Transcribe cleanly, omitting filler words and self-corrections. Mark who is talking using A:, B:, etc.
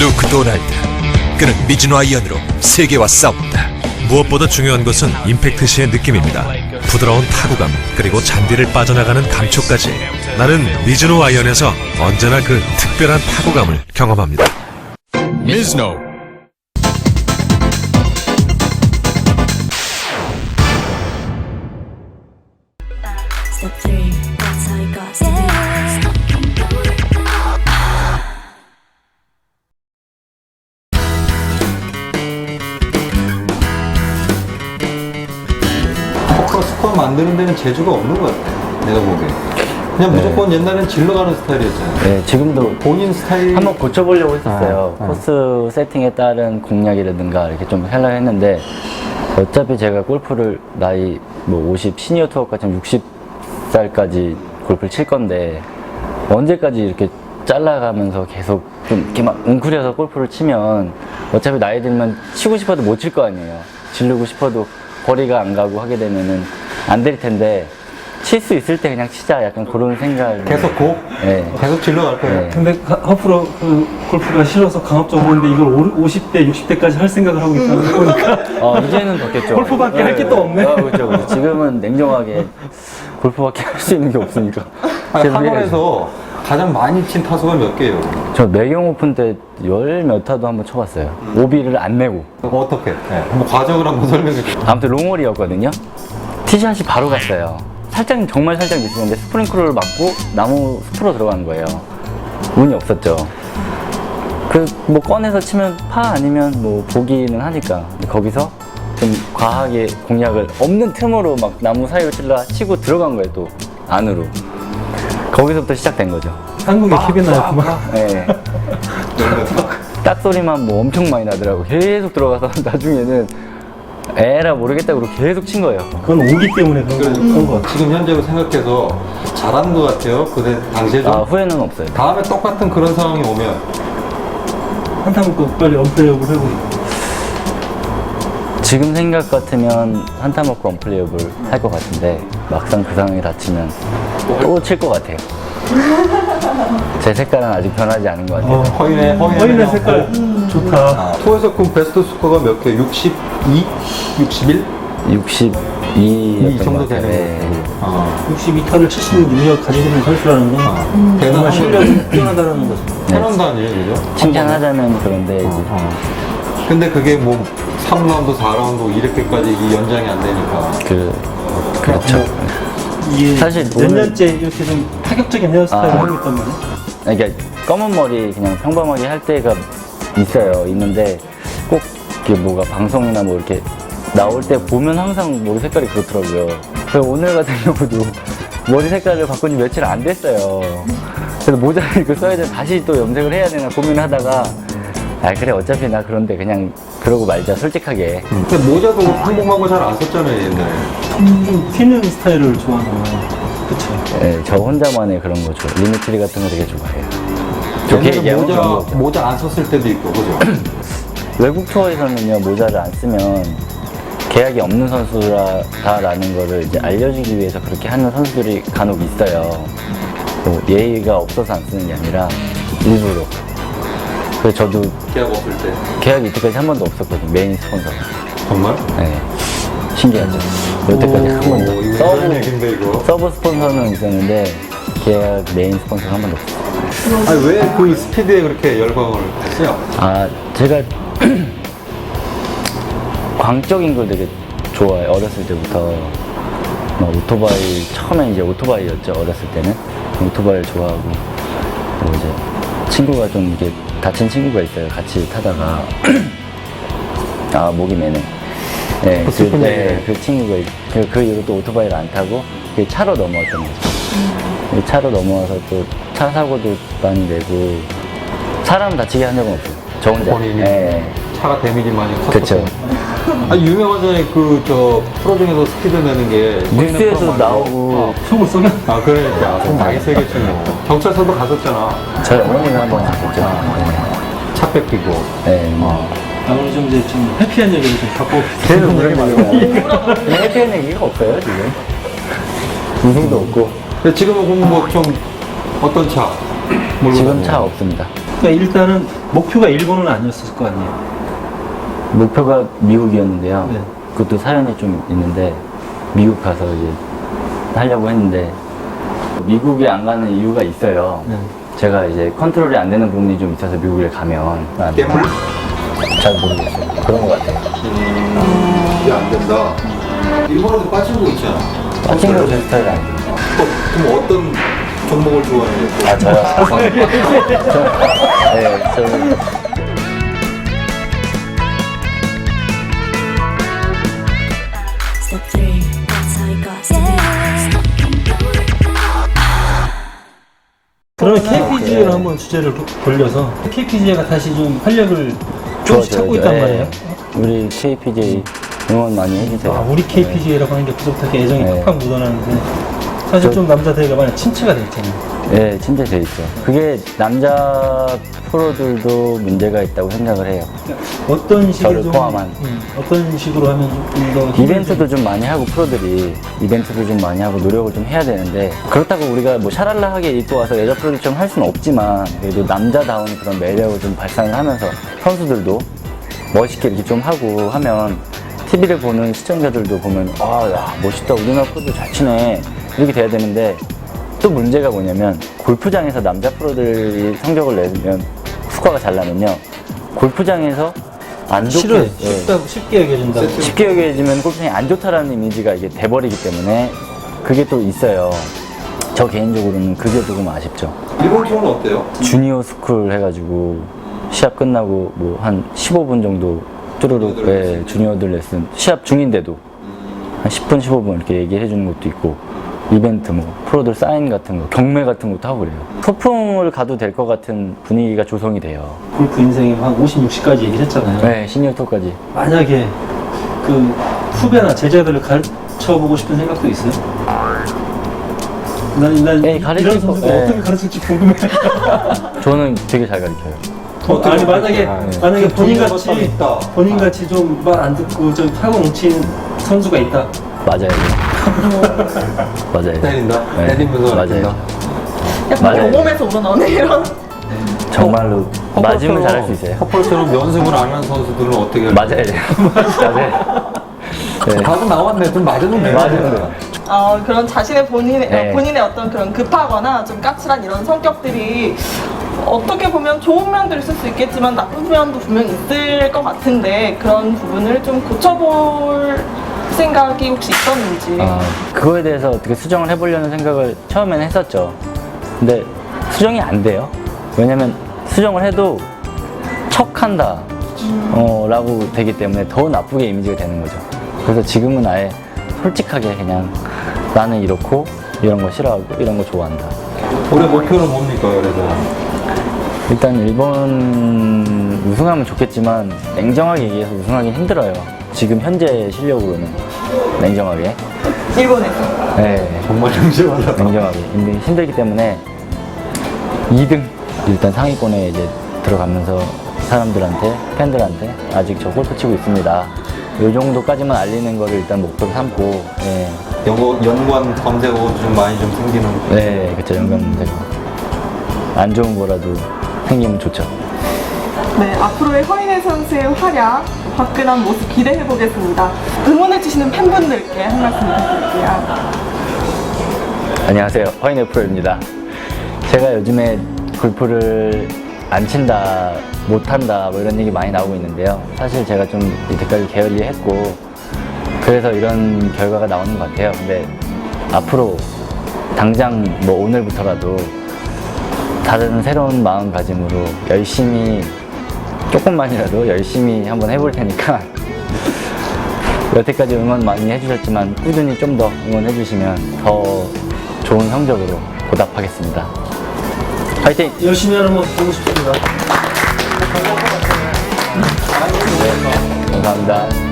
A: 루크 도날드. 그는 미즈노 아이언으로 세계와 싸운다. 무엇보다 중요한 것은 임팩트 시의 느낌입니다. 부드러운 타구감, 그리고 잔디를 빠져나가는 감촉까지. 나는 미즈노 아이언에서 언제나 그 특별한 타구감을 경험합니다.
B: Mizuno.
C: Step 3, that's how you got to do it.
D: 포커 스코어 만드는 데는 재주가 없는 것 같아. 내가 보기에. 그냥 무조건 옛날엔 질러가는 스타일이었잖아.
E: 네, 지금도
D: 본인 스타일.
E: 한번 고쳐보려고 했었어요.
D: 아, 아.
E: 코스 세팅에 따른 공략이라든가 이렇게 좀 하려고 했는데 어차피 제가 골프를 나이 뭐 50, 시니어 투어까지 60살까지 골프를 칠 건데 언제까지 이렇게 잘라가면서 계속 좀 이렇게 막 웅크려서 골프를 치면 어차피 나이 들면 치고 싶어도 못 칠 거 아니에요. 지르고 싶어도 거리가 안 가고 하게 되면은 안 될 텐데 칠 수 있을 때 그냥 치자 약간 그런 생각.
D: 계속 고?
E: 네.
D: 계속 질러갈 거야.
E: 네.
F: 근데 허프로 그 골프가 싫어서 강압적으로 하는데 이걸 50대, 60대까지 할 생각을 하고 있다는 거 보니까
E: 이제는 바뀌었죠.
F: 골프밖에 할 게 또 없네.
E: 그렇죠, 그렇죠. 지금은 냉정하게 골프밖에 할 수 있는 게 없으니까.
D: 아니, 한올에서 가장 많이 친 타수가 몇 개예요?
E: 저 매경 오픈 때 열 몇 타도 한번 쳐봤어요. 오비를 안 내고.
D: 어떻게? 네. 뭐 과정을 한번 설명해 줘.
E: 아무튼 롱홀이었거든요. 티샷이 바로 갔어요. 살짝, 정말 살짝 미스였는데 스프링클러를 맞고 나무 숲으로 들어간 거예요. 운이 없었죠. 뭐 꺼내서 치면 파 아니면 뭐 보기는 하니까. 근데 거기서 좀 과하게 공략을 없는 틈으로 막 나무 사이로 치고 들어간 거예요, 또 안으로. 거기서부터 시작된 거죠.
F: 한국의 케빈 나였구만.
E: 네. 딱 소리만 뭐 엄청 많이 나더라고. 계속 들어가서 나중에는 에라 모르겠다 그러고 계속 친 거예요.
F: 그건 오기 때문에 그런 거 같아.
D: 지금 현재로 생각해서 잘하는 것 같아요. 그때 당시에 좀.
E: 후회는 없어요.
D: 다음에 똑같은 그런 상황이 오면
F: 한타 먹고 빨리 언플레이업을 하고.
E: 지금 생각 같으면 한타 먹고 언플레이업을 할 것 같은데 막상 그 상황이 닥치면 또 칠 것 같아요. 제 색깔은 아직 변하지 않은 것 같아요.
F: 허인의 색깔 좋다.
D: 투어에서 그럼 베스트 스코어가 몇 개? 62? 61?
E: 62
D: 이 정도 되는
E: 네.
D: 거고.
F: 62타를 칠 수 있는 능력 가지고 있는 선수라는 건 정말
D: 대단한
F: 실력이 뛰어나다는 거죠.
D: 패런도 아니에요, 그죠?
E: 칭찬하자면 그런데 이제
D: 근데 그게 뭐 3라운드, 4라운드 이렇게까지 이 연장이 안 되니까.
E: 그렇죠.
F: 이게
E: 사실
F: 몇
E: 오늘-
F: 년째 이렇게 좀 타격적인 헤어스타일을 하고 있단 말이야.
E: 그러니까 검은 머리 그냥 평범하게 할 때가 있는데 꼭 이게 뭐가 방송이나 뭐 이렇게 나올 때 보면 항상 머리 색깔이 그렇더라고요. 그래서 오늘 같은 경우도 머리 색깔을 바꾼 지 며칠 안 됐어요. 그래서 모자를 이거 써야 돼 다시 또 염색을 해야 되나 고민하다가 그래 어차피 나 그런데 그냥 그러고 말자 솔직하게.
D: 근데 모자도 한국하고 잘 안 썼잖아요, 옛날에.
F: 좀 튀는 스타일을 좋아하는 거. 그쵸.
E: 네, 저 혼자만의 그런 거 좋아. 리미트리 같은 거 되게 좋아해요. 좋게
D: 옛날에
E: 얘기하면 그런 거죠.
D: 모자 안 썼을 때도 있고, 그죠?
E: 외국 투어에서는요 모자를 안 쓰면 계약이 없는 선수다라는 거를 이제 알려주기 위해서 그렇게 하는 선수들이 간혹 있어요. 뭐 예의가 없어서 안 쓰는 게 아니라 일부러. 그래서 저도
D: 계약 없을 때.
E: 계약이 이때까지 한 번도 없었거든요. 메인 스폰서가.
D: 정말?
E: 네. 신기하죠. 여태까지 한 번도.
D: 이거
E: 서브,
D: 얘기인데, 이거.
E: 서브 스폰서는 있었는데 계약 메인 스폰서가 한 번도 없었어요.
D: 아니, 왜 그 스피드에 그렇게 열광을 했어요?
E: 제가 광적인 걸 되게 좋아해요. 어렸을 때부터. 막 오토바이, 처음엔 이제 오토바이였죠. 어렸을 때는. 오토바이를 좋아하고. 그리고 이제 친구가 좀 이게 다친 친구가 있어요. 같이 타다가. 목이 매네. 네,
D: 슬픈 얘기네.
E: 그 친구가, 그 이후로 또 오토바이를 안 타고, 그 차로 넘어왔던 거죠. 차로 넘어와서 또 차 사고도 많이 내고, 사람 다치게 한 적은 없어요. 저 혼자.
D: 본인이
E: 네.
D: 차가 데미지 많이 컸었고.
E: 그쵸.
D: 유명하잖아요. 프로 중에서 스피드 내는 게.
E: 뉴스에도
D: 프로 말고.
E: 나오고,
F: 속을 썩여.
D: 그러니까. 좀 많이 세겠지 뭐. 경찰서도 갔었잖아.
E: 저희 어머니는 한번 하셨죠.
D: 차 뺏기고.
E: 네.
F: 오늘 좀 이제 좀 해피한 얘기를 좀 갖고
E: 계속 그런 얘기가 해피한 얘기가 없어요, 지금. 웃음도 없고.
D: 근데 지금은 그럼 뭐 좀 어떤 차? 몰고
E: 지금
D: 다녀요?
E: 차 없습니다.
F: 그러니까 일단은 목표가 일본은 아니었을 거 아니에요.
E: 목표가 미국이었는데요.
F: 네.
E: 그것도 사연이 좀 있는데 미국 가서 이제 하려고 했는데 미국에 안 가는 이유가 있어요.
F: 네.
E: 제가 이제 컨트롤이 안 되는 부분이 좀 있어서 미국에 가면
D: 때문에?
E: 잘 모르겠어요. 그런 것 같아요.
D: 이게 안 된다. 일본어도 빠지고 있잖아.
E: 빠진 거제 스타일이 아니에요.
D: 그럼 어떤 종목을 좋아해요?
E: 아 저요? 네, 저는
C: Step 3, that's how you got started.
F: 그러면 KPGA로 한번 주제를 돌려서 KPGA가 다시 좀 활력을 조금씩 찾고 있단
E: 네.
F: 말이에요.
E: 우리 KPJ 응원 많이 해주세요.
F: 아, 우리 KPGA라고 하는 게 그저부터 애정이
E: 네.
F: 팍팍 묻어나는데 사실 좀 남자 대회가 많이 침체가 돼 있잖아요.
E: 네, 진짜 돼 있죠. 그게 남자 프로들도 문제가 있다고 생각을 해요.
F: 어떤 식으로
E: 저를 포함한.
F: 어떤 식으로 하면 좀더
E: 이벤트도 좀 많이 하고 프로들이 이벤트도 좀 많이 하고 노력을 좀 해야 되는데 그렇다고 우리가 뭐 샤랄라하게 입고 와서 여자 프로들처럼 할 수는 없지만 그래도 남자다운 그런 매력을 좀 발산을 하면서 선수들도 멋있게 이렇게 좀 하고 하면 TV를 보는 시청자들도 보면 아, 야, 멋있다. 우리나라 프로들 잘 치네. 이렇게 돼야 되는데 또 문제가 뭐냐면 골프장에서 남자 프로들이 성적을 내면 스코어가 잘 나면요. 골프장에서 안 좋게
F: 싫어요.
E: 예,
F: 쉽게 여겨진다고.
E: 쉽게 여겨지면 골프장이 안 좋다라는 이미지가 이게 돼버리기 때문에 그게 또 있어요. 저 개인적으로는 그게 조금 아쉽죠.
D: 일본 쪽은 어때요?
E: 주니어 스쿨 해가지고 시합 끝나고 뭐 한 15분 정도 뚜루룩
D: 주니어들
E: 예, 주니어들 레슨 시합 중인데도 한 10분 15분 이렇게 얘기해 주는 것도 있고 이벤트 뭐 프로들 사인 같은 거 경매 같은 것도 하고 그래요. 소풍을 가도 될 것 같은 분위기가 조성이 돼요.
F: 골프 인생에 한 50, 60까지 얘기를 했잖아요.
E: 네, 시니어 토까지.
F: 만약에 그 후배나 제자들을 가르쳐 보고 싶은 생각도 있어요? 난
E: 네, 가르칠
F: 이런 선수가
E: 거, 네.
F: 어떻게 가르칠지 궁금해.
E: 저는 되게 잘 가르쳐요.
F: 아니 만약에 본인
D: 동료가
F: 같이
D: 딱 있다.
F: 본인 같이 좀 말 안 듣고 좀 사고 뭉친 선수가 있다.
E: 맞아요. 맞아요.
D: 때린다?
E: 네,
D: 때리면서
E: 맞아요.
D: 때린다?
G: 약간
E: 맞아요.
G: 경험에서 우러나오는 이런.
E: 정말로 맞으면 잘할 수 있어요.
D: 퍼플처럼 연습을 안 하는 선수들은 어떻게 할까요?
E: 맞아요. 맞아요. 네.
D: 답은 나왔네. 좀 맞으면 되는
E: 맞으면
D: 거야.
G: 그런 자신의
E: 네.
G: 본인의 어떤 그런 급하거나 좀 까칠한 이런 성격들이 어떻게 보면 좋은 면도 있을 수 있겠지만 나쁜 면도 분명 있을 것 같은데 그런 부분을 좀 고쳐볼 생각이 혹시 있었는지.
E: 그거에 대해서 어떻게 수정을 해보려는 생각을 처음에는 했었죠. 근데 수정이 안 돼요. 왜냐면 수정을 해도 척한다 라고 되기 때문에 더 나쁘게 이미지가 되는 거죠. 그래서 지금은 아예 솔직하게 그냥 나는 이렇고 이런 거 싫어하고 이런 거 좋아한다.
D: 올해 목표는 뭡니까, 그래서?
E: 일단 일본 우승하면 좋겠지만 냉정하게 얘기해서 우승하기 힘들어요. 지금 현재 실력으로는 냉정하게.
G: 일본에서.
E: 네,
D: 정말 정신하다.
E: 냉정하게 힘들기 때문에 2등 일단 상위권에 이제 들어가면서 사람들한테 팬들한테 아직 저 골프 치고 있습니다. 이 정도까지만 알리는 거를 일단 목표로 삼고 예.
D: 연관 검색어가 좀 많이 좀 생기는.
E: 네, 그쵸. 연관 문제가 안 좋은 거라도 생기면 좋죠.
G: 네, 앞으로의 허인혜 선수의 활약, 화끈한 모습 기대해 보겠습니다. 응원해 주시는 팬분들께 한 말씀 부탁드릴게요.
E: 안녕하세요. 허인의 프로입니다. 제가 요즘에 골프를 안 친다, 못한다, 뭐 이런 얘기 많이 나오고 있는데요. 사실 제가 좀 이때까지 게을리했고, 그래서 이런 결과가 나오는 것 같아요. 근데 앞으로 당장 뭐 오늘부터라도 다른 새로운 마음가짐으로 열심히, 조금만이라도 열심히 한번 해볼 테니까 여태까지 응원 많이 해주셨지만 꾸준히 좀 더 응원해 주시면 더 좋은 성적으로 보답하겠습니다. 화이팅!
F: 열심히 하는 모습 보고 싶습니다.
E: 감사합니다.